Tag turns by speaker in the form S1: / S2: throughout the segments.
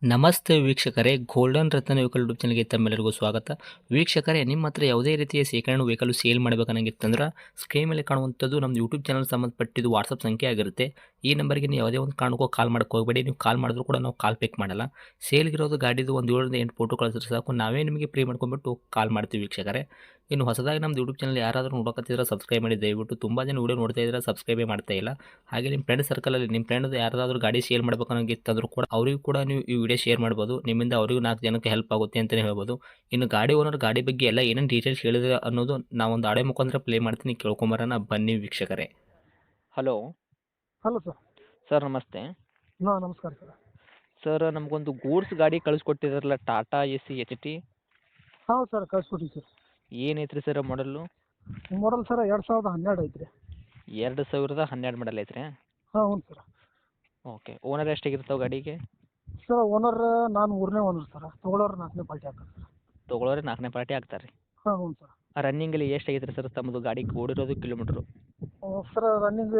S1: ನಮಸ್ತೆ ವೀಕ್ಷಕರೇ, ಗೋಲ್ಡನ್ ರತ್ನ vehicle YouTube ಚಾನಲ್ಗೆ ತಮ್ಮೆಲ್ಲರಿಗೂ ಸ್ವಾಗತ. ವೀಕ್ಷಕರೇ, ನಿಮ್ಮ ಹತ್ರ ಯಾವುದೇ ರೀತಿಯ ಶೇಖರಣೆ ವೆಹಿಕಲ್ ಸೇಲ್ ಮಾಡಬೇಕನ್ನಂಗಿತ್ತಂದ್ರೆ ಸ್ಕ್ರೀನ್ ಮೇಲೆ ಕಾಣುವಂಥದ್ದು ನಮ್ಮ ಯೂಟ್ಯೂಬ್ ಚಾನಲ್ ಸಂಬಂಧಪಟ್ಟಿದ್ದು ವಾಟ್ಸಪ್ ಸಂಖ್ಯೆ ಆಗಿರುತ್ತೆ. ಈ ನಂಬರ್ಗೆ ನೀವು ಯಾವುದೇ ಒಂದು ಕಾರಣಕ್ಕೂ ಕಾಲ್ ಮಾಡೋಕ್ಕೆ ಹೋಗಬೇಡಿ. ನೀವು ಕಾಲ್ ಮಾಡಿದ್ರು ಕೂಡ ನಾವು ಕಾಲ್ ಪಿಕ್ ಮಾಡಲ್ಲ. ಸೇಲ್ಗಿರೋದು ಗಾಡಿದು ಒಂದು 7ರಿಂದ 8 ಫೋಟೋ ಕಳಿಸಿದ್ರೆ ಸಾಕು, ನಾವೇ ನಿಮಗೆ ಪ್ರೀ ಮಾಡ್ಕೊಂಡ್ಬಿಟ್ಟು ಕಾಲ್ ಮಾಡ್ತೀವಿ ವೀಕ್ಷಕರೇ. ಇನ್ನು ಹೊಸದಾಗಿ ನಮ್ಮದು ಯೂಟ್ಯೂಬ್ ಚಾನಲ್ ಯಾರಾದರೂ ನೋಡೋಕತ್ತಿದ್ರೆ ಸಬ್ಸ್ಕ್ರೈಬ್ ಮಾಡಿ ದಯವಿಟ್ಟು. ತುಂಬ ಜನ ವೀಡಿಯೋ ನೋಡ್ತಾ ಇದ್ದಾರೆ, ಸಬ್ಸ್ಕ್ರೈಬೇ ಮಾಡ್ತಾ ಇಲ್ಲ. ಹಾಗೆ ನಿಮ್ಮ ಫ್ರೆಂಡ್ ಸರ್ಕಲಲ್ಲಿ ನಿಮ್ಮ ಫ್ರೆಂಡ್ ಯಾರಾದರೂ ಗಾಡಿ ಸೇಲ್ ಮಾಡಬೇಕನ್ನೋಂಗಿತ್ತಂದ್ರೂ ಕೂಡ ಅವರಿಗೂ ಕೂಡ ನೀವು ಈ ವಿಡಿಯೋ ಶೇರ್ ಮಾಡ್ಬೋದು. ನಿಮ್ಮಿಂದ ಅವರಿಗೂ 4 ಜನಕ್ಕೆ ಹೆಲ್ಪ್ ಆಗುತ್ತೆ ಅಂತಲೇ ಹೇಳ್ಬೋದು. ಇನ್ನು ಗಾಡಿ ಓನರ್ ಗಾಡಿ ಬಗ್ಗೆ ಎಲ್ಲ ಏನೇನು ಡೀಟೇಲ್ಸ್ ಹೇಳಿದ್ರೆ ಅನ್ನೋದು ನಾವೊಂದು ಆಡಿಯೋ ಮುಖಾಂತರ ಪ್ಲೇ ಮಾಡ್ತೀನಿ, ಕೇಳ್ಕೊಂಬರೋಣ ಬನ್ನಿ ವೀಕ್ಷಕರೇ. Hello
S2: hello sir.
S1: ಸರ್, ನಮಸ್ತೆ.
S2: ಹಾಂ, ನಮಸ್ಕಾರ ಸರ್.
S1: ಸರ್, ನಮಗೊಂದು ಗೂಡ್ಸ್ ಗಾಡಿ ಕಳಿಸ್ಕೊಟ್ಟಿದ್ರಲ್ಲ, ಟಾಟಾ AC HT.
S2: ಹೌದು ಸರ್, ಕಳ್ಸ್ಕೊಟ್ಟಿವಿ ಸರ್.
S1: ಏನೈತ್ರಿ ಸರ್ ಮಾಡಲ್ಲು?
S2: ಮಾಡಲ್ ಸರ್ 2012 ಐತ್ರಿ.
S1: 2012 ಮಾಡಲ್ ಐತ್ರಿ?
S2: ಹಾಂ, ಹ್ಞೂ ಸರ್.
S1: ಓಕೆ. ಓನರ್ ಎಷ್ಟಾಗಿರ್ತಾವೆ ಗಾಡಿಗೆ?
S2: ಸರ್ ಓನರ್ ನಾನು 3ನೇ ಓನರ್ ಸರ್. ತೊಗೊಳೋರು 4ನೇ ಪಾರ್ಟಿ ಆಗ್ತಾರೆ ಸರ್.
S1: ತೊಗೊಳೋರೆ 4ನೇ ಪಾರ್ಟಿ ಆಗ್ತಾರೆ ರೀ?
S2: ಹಾಂ, ಹ್ಞೂ ಸರ್.
S1: ರನ್ನಿಂಗಲ್ಲಿ ಎಷ್ಟು ಆಗೈತೆ ಸರ್ ತಮ್ಮದು ಗಾಡಿ ಓಡಿರೋದು ಕಿಲೋಮೀಟ್ರು?
S2: ಸರ್ ರನ್ನಿಂಗ್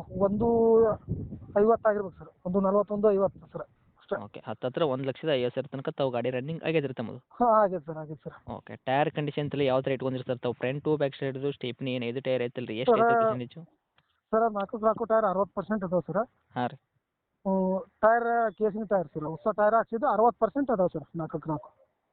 S2: 150 ಆಗಿರ್ಬೇಕು ಸರ್. 141, 50 ಸರ್ ಅಷ್ಟೇ.
S1: ಓಕೆ. ಹತ್ತತ್ರ 1,50,000 ತನಕ ತಾವು ಗಾಡಿ ರನ್ನಿಂಗ್ ಆಗೈತೆ ರೀ ತಮ್ಮದು?
S2: ಹಾಂ, ಆಗೈತೆ ಸರ್, ಆಗೈತೆ ಸರ್.
S1: ಓಕೆ. ಟೈರ್ ಕಂಡೀಷನ್ ಎಲ್ಲ ಯಾವ ಥರ ಇಟ್ಕೊಂಡಿರಿ ಸರ್ ತಾವು? ಫ್ರಂಟು ಬ್ಯಾಕ್ ಸೈಡ್ದು ಸ್ಟೇಪ್ನಿ ಏನು 5 ಟೈರ್ ಐತಲ್ಲ ರೀ, ಎಷ್ಟು ಐತೆ ಪರ್ಸೆಂಟೇಜು?
S2: ಸರ್ 4 ಟೈರ್ 60% ಅದಾವೆ ಸರ್.
S1: ಹಾಂ ರೀ.
S2: Tyre casing tyre sir. ಹೊಸ ಟೈರ್ ಹಾಕ್ಸಿದ್ದು 60% ಅದಾವೆ ಸರ್. 4ಕ್ಕೆ 4.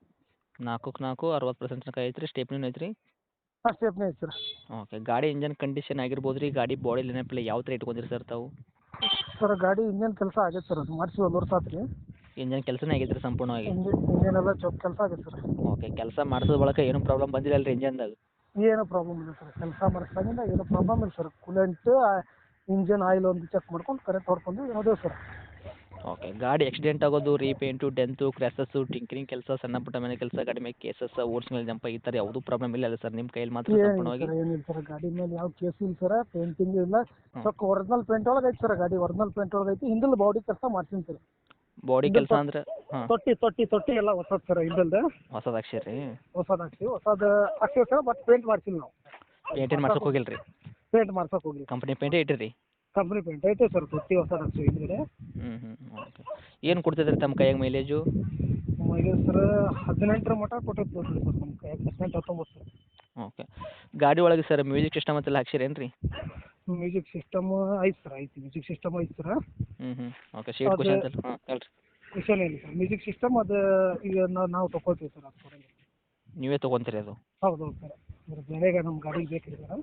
S1: 4 60% ತನಕ ಐತೆ ರೀ. ಸ್ಟೇಪ್ನಿನೂ ಐತೆ ರೀ?
S2: ಹಾಂ, ಸ್ಟೆಪ್ನಿ ಐತೆ ಸರ್.
S1: ಓಕೆ. ಗಾಡಿ ಇಂಜನ್ ಕಂಡೀಷನ್ ಆಗಿರ್ಬೋದು ರೀ, ಗಾಡಿ ಬಾಡಿ ಲೈನಪ್ಪೆಲ್ಲ ಯಾವ ಥರ ಇಟ್ಕೊಂಡಿರಿ ಸರ್ ತಾವು?
S2: ಸರ್ ಗಾಡಿ ಇಂಜನ್ ಕೆಲಸ ಆಗೈತೆ ಸರ್. ಅದು ಮಾಡಿಸಿ 1 ವರ್ಷ ಆತು ರೀ.
S1: ಇಂಜನ್ ಕೆಲಸನೇ ಆಗೈತೆ ರೀ ಸಂಪೂರ್ಣವಾಗಿ?
S2: ಇಂಜನ್ ಎಲ್ಲ ಚೊಕ್ ಕೆಲಸ ಆಗೈತೆ ಸರ್.
S1: ಓಕೆ. ಕೆಲಸ ಮಾಡಿಸೋದ್ ಬಳಕ ಏನು ಪ್ರಾಬ್ಲಮ್ ಬಂದಿಲ್ಲ ಅಲ್ಲ ರೀ ಇಂಜನ್ದಾಗ?
S2: ಏನೂ ಪ್ರಾಬ್ಲಮ್ ಇಲ್ಲ ಸರ್. ಕೆಲಸ ಮಾಡಿಸ್ದಾಗಿಂದ ಏನೂ ಪ್ರಾಬ್ಲಮ್ ಇಲ್ಲ ಸರ್. ಕೂಲೆಂಟ್, ಇಂಜನ್ ಆಯಿಲ್ ಒಂದು ಚೆಕ್ ಮಾಡ್ಕೊಂಡು ಕರೆಕ್ಟ್ ಹೊಡ್ಕೊಂಡು ಹೋದೇವು ಸರ್.
S1: ಓಕೆ. ಗಾಡಿ ಆಕ್ಸಿಡೆಂಟ್ ಆಗೋದು, ರೀಪೇಂಟು, ಡೆಂತು, ಕ್ರ್ಯಾಸಸ್ಸು, ಟಿಂಕರಿಂಗ್ ಕೆಲಸ, ಸಣ್ಣ ಪುಟ್ಟ ಮನೆ ಕೆಲಸ, ಗಾಡಿ ಮೇಲೆ ಕೇಸಸ್, ಓಡ್ಸ್ ಮೇಲೆ ಜಂಪ್ ಈ ಥರ ಯಾವುದೂ ಪ್ರಾಬ್ಲಮ್ ಇಲ್ಲ ಅಲ್ಲ ಸರ್ ನಿಮ್ಮ ಕೈಯಲ್ಲಿ ಮಾತ್ರ
S2: ಏನಿಲ್ಲ
S1: ಸಂಪೂರ್ಣವಾಗಿ?
S2: ಸರ್, ಏನಿಲ್ಲ ಸರ್. ಗಾಡಿ ಮೇಲೆ ಯಾವ ಕೇಸು ಇಲ್ಲ ಸರ್. ಪೇಂಟಿಂಗ್ ಇಲ್ಲ. ಸ್ವಲ್ಪ ಒರಿಜಿನಲ್ ಪೇಂಟ್ ಒಳಗೆ ಐತೆ ಸರ್. ಗಾಡಿ ಒರಿಜಿನಲ್ ಪೇಂಟ್ ಒಳಗೆ ಐತಿ. ಹಿಂದಲ್ ಬಾಡಿ ಕೆಲಸ ಮಾಡ್ತೀನಿ ಸರ್.
S1: ಬಾಡಿ ಕೆಲಸ ಅಂದ್ರೆ? ಹಾಂ.
S2: ತೊಟ್ಟಿ ಎಲ್ಲ ಹೊಸದು ಸರ್. ಹಿಂದಲ್ದು
S1: ಹೊಸದು ಹಾಕ್ಸಿರಿ?
S2: ಹೊಸದು ಹಾಕ್ಸಿವಿ ಸರ್. ಬಟ್ ಪೇಂಟ್ ಮಾಡ್ಸಿಲ್ಲ ನಾವು.
S1: ಪೇಂಟೇನು ಮಾಡ್ಸೋಕೆ ಹೋಗಿಲ್ಲ ರೀ?
S2: ಪೇಂಟ್ ಮಾಡ್ಸೋಕೆ ಹೋಗಿಲ್ಲ.
S1: ಕಂಪ್ನಿ ಪೇಂಟೇ ಇಟ್ಟಿರಿ?
S2: ಕಂಪ್ನಿ ಪೇಂಟ್ ಐತೆ ಸರ್. ತೊಟ್ಟಿ ಹೊಸದು ಹಾಕ್ಸಿವಿ ಹಿಂದ್ಗಡೆ.
S1: ಓಕೆ. ಏನು ಕೊಡ್ತಿದ್ರಿ ತಮ್ಮ ಕೈಯಾಗ ಮೈಲೇಜು?
S2: ಮೈಲೇಜ್ ಸರ್ 18 ಮಟ್ಟ ಕೊಟ್ಟೈತೆ ನೋಡಿರಿ ಸರ್. ನಮ್ಮ ಕೈಯಾಗ 18, 19 ಸರ್.
S1: ಓಕೆ. ಗಾಡಿ ಒಳಗೆ ಸರ್ ಮ್ಯೂಸಿಕ್ ಸಿಸ್ಟಮ್ ಅಂತೆಲ್ಲ ಹಾಕ್ಸಿರೇನು ರೀ?
S2: ಮ್ಯೂಸಿಕ್ ಸಿಸ್ಟಮ್ ಐತೆ ಸರ್. ಐತಿ ಮ್ಯೂಸಿಕ್ ಸಿಸ್ಟಮ್ ಐತೆ ಸರ್.
S1: ಓಕೆ. ಸೀಟ್ ಕುಷನ್ ಅಂತೆಲ್ಲ? ಹಾಂ, ಹೇಳ್ರಿ.
S2: ಕ್ವಶನ್ ಇಲ್ಲ ಸರ್. ಮ್ಯೂಸಿಕ್ ಸಿಸ್ಟಮ್ ಅದು ಈಗ ನಾವು ತೊಗೊಳ್ತೀವಿ ಸರ್. ಅದು ಕೊಡಂಗಿಲ್ಲ.
S1: ನೀವೇ ತೊಗೊಂತೀರಿ ಅದು?
S2: ಹೌದು ಸರ್. ಅದ್ರ ಬೆಲೆಗೆ ನಮ್ಮ ಗಾಡಿಗೆ ಬೇಕಿದೆ ಸರ್.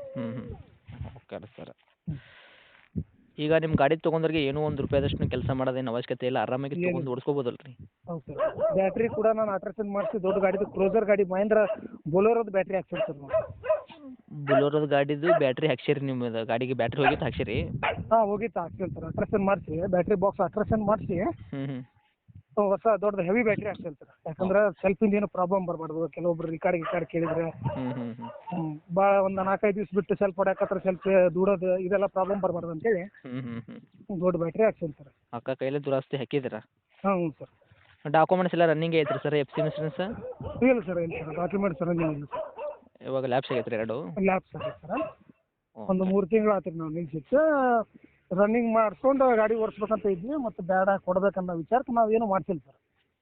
S1: Okay sir. ಈಗ ನಿಮ್ಮ ಗಾಡಿ ತೊಗೊಂಡ್ರಿಗೆ ಏನೂ ₹1 ಕೆಲಸ ಮಾಡೋದೇನು ಅವಶ್ಯಕತೆ ಇಲ್ಲ, ಆರಾಮಾಗಿ ತೊಗೊಂಡು ಓಡಿಸ್ಕೋಬೋದಲ್ಲ ರೀ?
S2: ಹೌದು ಸರ್. ಬ್ಯಾಟ್ರಿ ಕೂಡ ನಾನು ಆಲ್ಟ್ರೇಷನ್ ಮಾಡಿಸಿ ದೊಡ್ಡ ಗಾಡಿದು ಕ್ರೋಸರ್ ಗಾಡಿ ಮಹೇಂದ್ರ ಬೊಲೋರೋದು ಬ್ಯಾಟ್ರಿ ಹಾಕ್ಸಿರಿ ಸರ್ ನಾವು.
S1: ಬುಲೋರೋದು ಗಾಡಿದು ಬ್ಯಾಟ್ರಿ ಹಾಕ್ಸಿರಿ? ನಿಮ್ಮದು ಗಾಡಿಗೆ ಬ್ಯಾಟ್ರಿ ಹೋಗಿತ್ತು ಹಾಕ್ಸಿರಿ?
S2: ಹಾಂ, ಹೋಗಿತ್ತು ಹಾಕ್ಸಿರಿ ಸರ್. ಆಲ್ಟ್ರೇಷನ್ ಮಾಡಿಸಿ ಬ್ಯಾಟ್ರಿ ಬಾಕ್ಸ್ ಆಲ್ಟ್ರೇಷನ್ ಮಾಡಿಸಿ ಹೊಸ ದೊಡ್ಡದು ಹೆವಿ ಬ್ಯಾಟ್ರಿ ಹಾಕ್ಸಿರಿ ಸರ್. ಯಾಕಂದ್ರೆ ಸೆಲ್ಫಿಂದ ಏನು ಪ್ರಾಬ್ಲಮ್ ಬರಬಾರ್ದು. ಕೆಲವೊಬ್ರು ರಿಕಾರ್ಡ್ ಕೇಳಿದ್ರೆ ಭಾಳ ಒಂದು 4-5 ದಿವ್ಸ ಬಿಟ್ಟು ಸೆಲ್ಫ್ ಹೊಡ್ಯಾಕತ್ರ ಸೆಲ್ಫ್ ದೂಡೋದು ಇದೆಲ್ಲ ಪ್ರಾಬ್ಲಮ್ ಬರಬಾರ್ದು ಅಂತೇಳಿ ದೊಡ್ಡ ಬ್ಯಾಟ್ರಿ ಹಾಕ್ಸಿರಿ ಸರ್.
S1: ಅಕ್ಕ ಕೈಲೇ ದುರಸ್ತಿ ಹಾಕಿದ್ದೀರಾ?
S2: ಹಾಂ, ಹ್ಞೂ ಸರ್.
S1: ಡಾಕ್ಯುಮೆಂಟ್ಸ್ ಎಲ್ಲ ರನ್ನಿಂಗ್ ಐತ್ರಿ ಸರ್? FC insurance?
S2: ಇಲ್ಲ ಸರ್, ಇಲ್ಲ ಸರ್. ಡಾಕ್ಯುಮೆಂಟ್ಸ್ ರನ್ನಿಂಗ್ ಇಲ್ಲ ಸರ್.
S1: ಇವಾಗ ಲ್ಯಾಬ್ಸ್ ಆಗೈತೆ ರೀ 2?
S2: ಲ್ಯಾಬ್ಸ್ ಆಗೈತೆ ಸರ್. ಒಂದು 3 ತಿಂಗಳು ಆತ್ರಿ ನಾವು ನಿಲ್ಸಿಟ್ಟು. ರನ್ನಿಂಗ್ ಮಾಡಿಸ್ಕೊಂಡು ಗಾಡಿ ಓಡಿಸ್ಬೇಕಂತ ಇದ್ವಿ. ಮತ್ತು ಬೇಡ ಕೊಡ್ಬೇಕನ್ನೋ ವಿಚಾರಕ್ಕೆ ನಾವೇನು ಮಾಡ್ಸಿಲ್ಲ ಸರ್.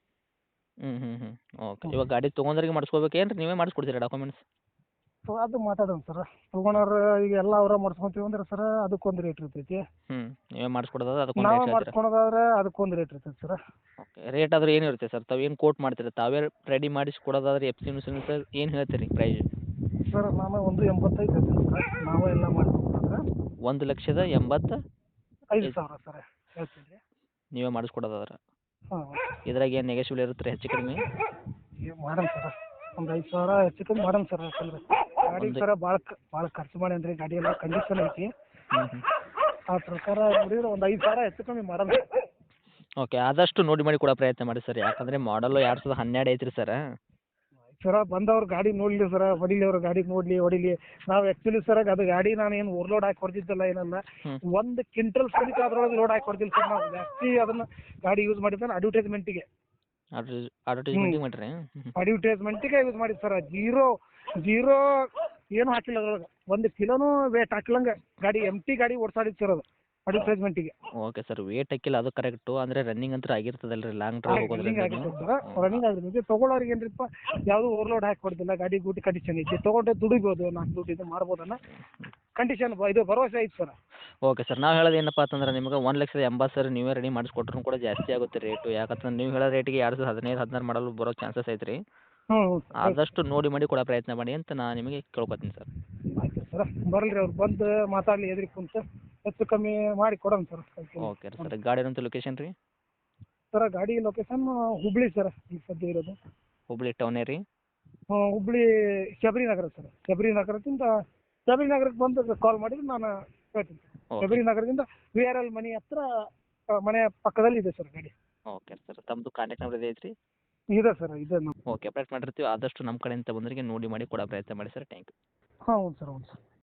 S1: ಓಕೆ. ಇವಾಗ ಗಾಡಿ ತೊಗೊಂಡ್ರಿಗೆ ಮಾಡಿಸ್ಕೋಬೇಕೇನು ರೀ? ನೀವೇ ಮಾಡಿಸ್ಕೊಡ್ತೀರಾ ಡಾಕ್ಯುಮೆಂಟ್ಸ್?
S2: ಸೊ ಅದು ಮಾತಾಡೋಣ ಸರ್. ತೊಗೊಳೋರು ಈಗ ಎಲ್ಲ ಅವರ ಮಾಡಿಸ್ಕೊಂತೀವಿ ಅಂದ್ರೆ ಸರ್ ಅದಕ್ಕೊಂದು ರೇಟ್ ಇರ್ತೈತಿ.
S1: ನೀವೇ ಮಾಡಿಸ್ಕೊಡೋದಾದ್ರೆ ಅದಕ್ಕೊಂದು
S2: ನಾವು
S1: ರೇಟ್ ಹೇಳ್ತೀರಾ?
S2: ಮಾಡಿಸ್ಕೊಳೋದಾದ್ರೆ ಅದಕ್ಕೊಂದು ರೇಟ್ ಇರ್ತೈತಿ ಸರ್.
S1: ಓಕೆ. ರೇಟ್ ಆದ್ರೆ ಏನು ಇರುತ್ತೆ ಸರ್? ತಾವು ಏನು ಕೋಟ್ ಮಾಡ್ತೀರಾ? ತಾವೇ ರೆಡಿ ಮಾಡಿಸಿ ಕೊಡೋದಾದ್ರೆ FC ಇನ್ಸೂರೆನ್ಸ್ ಏನು ಹೇಳ್ತೀರಿ ಪ್ರೈಸ್?
S2: ಸರ್ ನಾನು 1.85 ಹೇಳ್ತೀನಿ ಸರ್. ನಾವೇ ಎಲ್ಲ ಮಾಡಿಸ್ಕೊಂಡ್ರೆ
S1: 1,85,000
S2: ಸರ್ ಹೇಳ್ತೀನಿ ರೀ.
S1: ನೀವೇ ಮಾಡಿಸ್ಕೊಡೋದಾದ್ರೆ?
S2: ಹಾಂ,
S1: ಇದ್ರಾಗ ಏನು ನೆಗೆಶಿಬಲ್ ಇರುತ್ತೆ ರೀ ಹೆಚ್ಚು ಕಡಿಮೆ?
S2: ಮಾಡೋಣ ಸರ್. ಒಂದು 5,000 ಹೆಚ್ಚು ಕಮ್ಮಿ ಮಾಡೋಣ ಸರ್. ಯಾಕಂದ್ರೆ ಗಾಡಿ ಸರ ಭಾಳ ಖರ್ಚು ಮಾಡೇನಿ ರೀ. ಗಾಡಿ ಎಲ್ಲ ಕಂಡೀಷನ್ ಐತಿ. ಆ ಪ್ರಕಾರ ನೋಡಿದ್ರೆ ಒಂದು 5,000 ಹೆಚ್ಚು ಕಮ್ಮಿ ಮಾಡೋಣ.
S1: ಓಕೆ. ಆದಷ್ಟು ನೋಡಿ ಮಾಡಿ ಕೊಡೋ ಪ್ರಯತ್ನ ಮಾಡಿ ಸರ್. ಯಾಕಂದರೆ ಮಾಡಲು 2012 ಐತ್ರಿ ಸರ್.
S2: ಸರ ಬಂದವ್ರು ಗಾಡಿ ನೋಡಲಿ ಸರ, ಹೊಡಿಲಿ ಅವ್ರ ಗಾಡಿ ಹೊಡಿಲಿ. ನಾವು ಆ್ಯಕ್ಚುಲಿ ಸರ್ ಅದು ಗಾಡಿ ನಾನು ಏನು ಓವರ್ಲೋಡ್ ಹಾಕಿ ಹೊಡೆದಿದ್ದಲ್ಲ, ಏನಲ್ಲ. 1 ಕ್ವಿಂಟಲ್ ಸಮೇತ ಅದ್ರೊಳಗೆ ಲೋಡ್ ಹಾಕಿ ಹೊಡೆದಿಲ್ಲ ಸರ್. ನಾವು ಜಾಸ್ತಿ ಅದನ್ನು ಗಾಡಿ ಯೂಸ್ ಮಾಡಿದ್ರೆ ಅಡ್ವರ್ಟೈಸ್ಮೆಂಟಿಗೆ
S1: ಮಾಡಿರಿ?
S2: ಅಡ್ವರ್ಟೈಸ್ಮೆಂಟಿಗೆ ಯೂಸ್ ಮಾಡಿದ್ದು ಸರ್. ಜೀರೋ ಏನು ಹಾಕಿಲ್ಲ ಅದ್ರೊಳಗೆ. 1 ಕಿಲೋನೂ ವೇಟ್ ಹಾಕ್ಲಂಗೆ ಗಾಡಿ ಎಂಟಿ ಗಾಡಿ ಓಡಿಸಾಡಿದ್ದು ಸರ್ ಅದು. ಅಡ್ವರ್ಟೈಸ್ಮೆಂಟಿಗೆ.
S1: ಓಕೆ ಸರ್, ವೇಟ್ ಹಾಕಿಲ್ಲ ಅದು ಕರೆಕ್ಟು, ಅಂದರೆ ರನ್ನಿಂಗ್ ಅಂತೂ ಆಗಿರ್ತದಲ್ಲ ರೀ ಲಾಂಗ್ ಡ್ರೈವ್
S2: ರನ್ನಿಂಗ್
S1: ಹೋಗೋದ್ರಿಂದ
S2: ಆಗಿರ್ತದೆ ಸರ್, ರನ್ನಿಂಗ್ ಆಗಿರ್ತದೆ. ತೊಗೊಳೋರಿಗೆ ಏನ್ರಿಪ್ಪ ಯಾವುದು ಓವರ್ಲೋಡ್ ಹಾಕಿ ಕೊಡ್ತಿಲ್ಲ, ಗಾಡಿ ಗೂಟಿ ಕಂಡೀಷನ್ ಐತಿ, ತೊಗೊಂಡು ದುಡಿಬೋದು, 4 ದುಡ್ಡು ಇದು ಮಾಡ್ಬೋದನ್ನ ಕಂಡೀಷನ್ ಇದು ಭರವಸೆ ಐತೆ ಸರ್.
S1: ಓಕೆ ಸರ್, ನಾವು ಹೇಳೋದು ಏನಪ್ಪ ಅಂತಂದ್ರೆ ನಿಮಗೆ 1,80,000 ನೀವೇ ರೆಡಿ ಮಾಡಿಸ್ಕೊಟ್ರು ಕೂಡ ಜಾಸ್ತಿ ಆಗುತ್ತೆ ರೇಟು. ಯಾಕಂತಂದ್ರೆ ನೀವು ಹೇಳೋ ರೇಟಿಗೆ 2015-16 ಮಾಡಲು ಬರೋ ಚಾನ್ಸಸ್ ಐತೆ ರೀ.
S2: ಹ್ಞೂ
S1: ಆದಷ್ಟು ನೋಡಿ ಮಾಡಿ ಕೊಡೋ ಪ್ರಯತ್ನ ಮಾಡಿ ಅಂತ ನಾನು ನಿಮಗೆ ಕೇಳ್ಕೊತೀನಿ ಸರ್.
S2: ಆಯ್ತು ಸರ್, ಬರಲಿ ಅವ್ರು ಬಂದು ಮಾತಾಡಲಿ ಎದುರು ಕುಂತು ಹೆಚ್ಚು ಕಮ್ಮಿ ಮಾಡಿ ಕೊಡೋಣ ಸರ್.
S1: ಓಕೆ ರೀ ಸರ್, ಗಾಡಿ ಇರೋಂಥ ಲೊಕೇಶನ್ ರೀ?
S2: ಸರ್ ಗಾಡಿ ಲೊಕೇಶನ್ ಹುಬ್ಳಿ ಸರ್, ಈ ಸದ್ಯ ಇರೋದು
S1: ಹುಬ್ಳಿ ಟೌನೇ ರೀ?
S2: ಹುಬ್ಳಿ ಶಬರಿ ನಗರ ಸರ್. ಶಬರಿ ನಗರಕ್ಕೆ ಬಂದು ಕಾಲ್ ಮಾಡಿದ್ರೆ ನಾನು ಹೇಳ್ತೀನಿ ಸರ್.
S1: ಓಕೆ.
S2: ಶಬರಿ ನಗರದಿಂದ VRL ಮನೆ ಹತ್ರ ಮನೆಯ ಪಕ್ಕದಲ್ಲಿ ಇದೆ ಸರ್ ಗಾಡಿ.
S1: ಓಕೆ ಸರ್, ತಮ್ಮದು ಕಾಂಟ್ಯಾಕ್ಟ್ ನಂಬರ್ ಇದೆ ಐತ್ರಿ?
S2: ಇದೆ ಸರ್, ಇದೆ ನಮ್ಮ.
S1: ಓಕೆ, ಅಪ್ಡೇಟ್ ಮಾಡಿರ್ತೀವಿ. ಆದಷ್ಟು ನಮ್ಮ ಕಡೆಯಿಂದ ಬಂದವರಿಗೆ ನೋಡಿ ಮಾಡಿ ಕೊಡೋ ಪ್ರಯತ್ನ ಮಾಡಿ ಸರ್. Thank you.
S2: ಹಾಂ ಹೌದು ಸರ್, ಹೌದು ಸರ್.